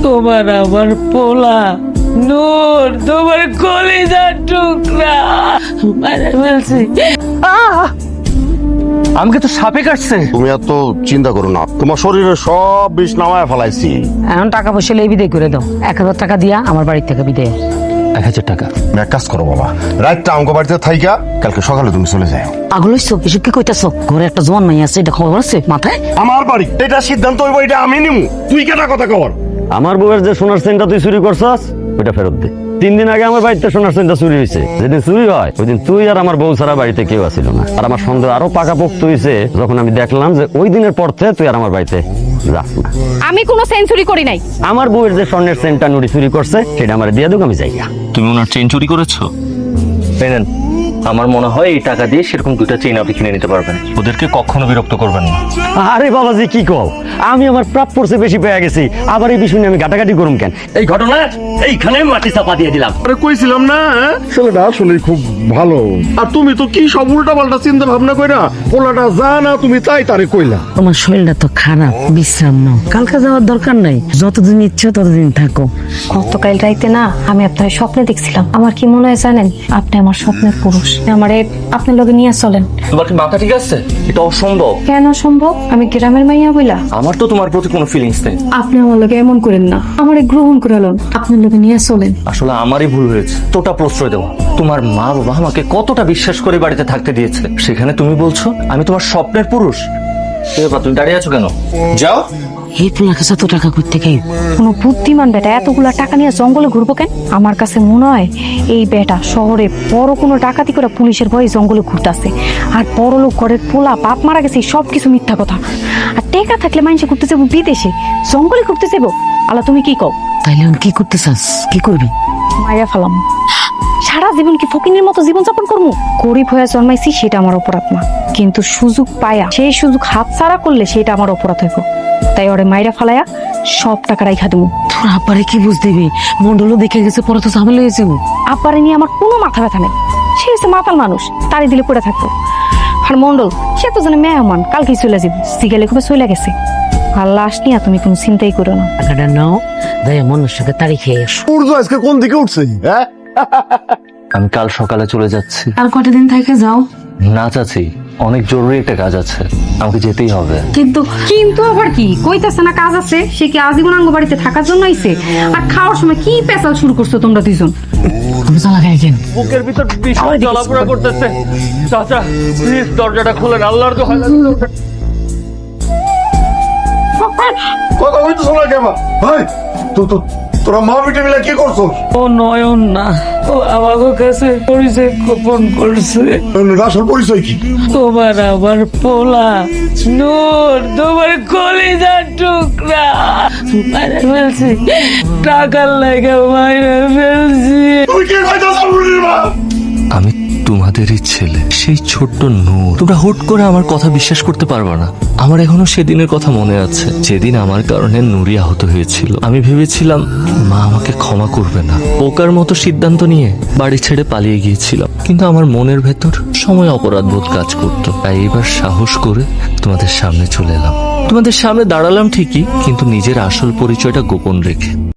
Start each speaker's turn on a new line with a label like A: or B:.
A: তোমার আমার পোলা নূর, তোমার কলিজার টুকরা মারা ফেলছি।
B: আমাকে তো সাপে কাটছে।
C: তুমি এত চিন্তা করো না, তোমার শরীরে সব বিষ নামায় ফেলাইছি।
A: এখন টাকা পয়সা লেই বিদায় করে দাও। 1000 টাকা দিয়া আমার বাড়ি থেকে বিদায়।
B: 1000 টাকা?
C: এক কাজ করো বাবা, রাতটা আমাকে বাড়িতে থাইকা কালকে সকালে তুমি চলে যাও।
A: পাগল হইছো? এসব কি কইতাছো? ঘরে একটা জোয়ান মাই আছে, এটা খবর আছে মাথায়?
C: আমার বাড়ি, এটা সিদ্ধান্ত হইব, এটা আমি নিমু। তুই কেটা কথা কর?
B: আমার বউয়ের যে সোনার চেনটা তুই চুরি করছস ওইটা ফেরত দে। 3 দিন আগে আমার বাড়িতে সোনার চেনটা চুরি হয়েছে। যেদিন চুরি হয় ওই দিন তুই আর আমার বউ ছাড়া বাড়িতে কেউ আসিল না। আর আমার সন্দেহ আরো পাকাপোক্ত হয়েছে যখন আমি দেখলাম যে ওই দিনের পর থেকে তুই আর আমার বাড়িতে যাস না।
D: আমি কোনো সেঞ্চুরি করি নাই।
B: আমার বউয়ের যে স্বর্ণের চেনটা নুরি চুরি করছে সেটা আমার দিয়ে দুক, আমি যাই না।
E: তুমি ওনার চেন চুরি করেছো? পেনেন, আমার মনে হয় এই টাকা দিয়ে সেরকম 2টা চেন আপনি কিনে নিতে পারবেন। ওদেরকে কখনো বিরক্ত করবেন না।
B: আরে বাবাজি কি কও, আমি আমার প্রাপ্যর চেয়ে বেশি পেয়ে গেছি, আবার এই বিষয় নিয়ে আমি গাটাগাটি করুম কেন? এই ঘটনা এইখানে মাটি চাপা দিয়ে দিলাম।
C: আরে কইছিলাম না, ছেলেটা আসলে খুব ভালো। আর তুমি তো কি সব উল্টা পাল্টা চিন্তা ভাবনা কইরা পোলাটা যা না তুমি তাই তারে কইলা।
A: তোমার শরীরটা তো খারাপ, বিশ্রাম নাও। কালকে যাওয়ার দরকার নাই, যতদিন ইচ্ছে ততদিন থাকো।
D: গতকাল রাইতে না আমি আপনার স্বপ্নে দেখছিলাম। আমার কি মনে হয় জানেন? আপনি আমার স্বপ্নের পুরুষ। আমারে আপনার লগে নিয়ে চলেন।
E: তোমার কি মাথা ঠিক আছে? এটা অসম্ভব।
D: কেন সম্ভব? আমি গ্রামের মাইয়া বইলা?
E: আমার তো তোমার প্রতি কোনো ফিলিংস নেই।
D: আপনি আমার লগে এমন করেন না, আমারে গ্রহণ করে লন। আপনার লগে নিয়ে চলেন।
E: আসলে আমারই ভুল হয়েছে তোটা প্রশ্রয় দেওয়া। তোমার মা বাবা আমাকে কতটা বিশ্বাস করে বাড়িতে থাকতে দিয়েছে, সেখানে তুমি বলছো আমি তোমার স্বপ্নের পুরুষ। এবার তুমি দাঁড়িয়ে আছো কেন? যাও।
A: এই পোলাকে এত টাকা করতে খাই?
D: কোনো বুদ্ধিমান বেটা এতগুলা টাকা নিয়ে জঙ্গলে ঘুরবো কেন? আমার কাছে মনে হয় এই বেটা শহরে বড় কোনো ডাকাতি করে পুলিশের ভয়ে জঙ্গলে ঘুরতেছে। আর বড় লোক ঘরের পোলা বাপ মারা গেছে, সবকিছু মিথ্যা কথা। আর টেকা থাকলে মানুষে ঘুরতে যাবো বিদেশে, জঙ্গলে ঘুরতে যাবো। আল্লাহ তুমি কি কও?
A: তাইলে এখন কি করতে চাস? কি করবি?
D: মাইয়া ফেলাম। সারা জীবন কি ফকিনের মতো জীবনযাপন করবো? গরিব হয়ে জন্মাইছি সেটা আমার অপরাধ না, কিন্তু সুযোগ পায়া সেই সুযোগ হাতছাড়া করলে সেটা আমার অপরাধ হইব। তাই ওরে মাইরা ফালায়া সব টাকা রাইখা দেবো।
A: তোর আব্বারে কি বুঝ দিবি? মন্ডলও দেখে গেছে, পরে তো ঝামেলা হয়েছে।
D: আব্বারে নিয়ে আমার কোনো মাথা ব্যথা নেই। সে হচ্ছে মাতাল মানুষ, তারই দিলে পড়ে থাকতো। আর মন্ডল সে তো জানে মেহমান, কালকেই চলে যাবো। সিগালে খুবই চলে গেছে। আর লাশ নিয়ে তুমি কোনো চিন্তাই করো না।
A: টাকাটা নাও, যাই মনের সাথে তারিখ খেয়ে এসো।
C: সূর্য আজকে কোন দিকে উঠছে? হ্যাঁ,
E: আমি কাল সকালে চলে যাচ্ছি।
A: আর কয়টা দিন থেকে যাও।
E: না চাচি, অনেক জরুরি একটা কাজ আছে, আমাকে যেতেই হবে।
D: কিন্তু কিন্তু আবার কি কইতাছে না কাজ আছে? সে কি আজীবন আঙ্গ বাড়িতে থাকার জন্য আইছে? আর খাওয়ার সময় কি পেশাল শুরু করছো তোমরা দুইজন?
A: তুমি তো লাগাই কেন?
E: বুকের ভিতর ভীষণ জ্বালাপোড়া করতেছে। চাচা প্লিজ দরজাটা খুলেন, আল্লাহর দোহাই লাগে।
C: কথা হইতেছ না কেমন? ভাই তোরা মা বেটে মিলে কি করছো?
A: ও নয়ন না, ও আমাকে কাছে পরিচয় গোপন করছে।
C: আসল পরিচয় কি?
A: তোমার আমার পোলা নূর, তোমার কলিজার টুকরা মারা ফেলছি। টাকার লাগে মারা ফেলছি।
C: তুই কি কইতাছ বুড়ির মা?
E: আমি তোমাদেরই ছেলে, সেই ছোট্ট নূর। তোমরা হুট করে আমার কথা বিশ্বাস করতে পারবে না। আমার এখনো সেদিনের কথা মনে আছে, যেদিন আমার কারণে নুরি আহত হয়েছিল। আমি ভেবেছিলাম মা আমাকে ক্ষমা করবে না, পোকার মতো সিদ্ধান্ত নিয়ে বাড়ি ছেড়ে পালিয়ে গিয়েছিলাম। কিন্তু আমার মনের ভেতর সময় অপরাধবোধ কাজ করতো। তাই এবার সাহস করে তোমাদের সামনে চলে এলাম। তোমাদের সামনে দাঁড়ালাম ঠিকই, কিন্তু নিজের আসল পরিচয়টা গোপন রেখে।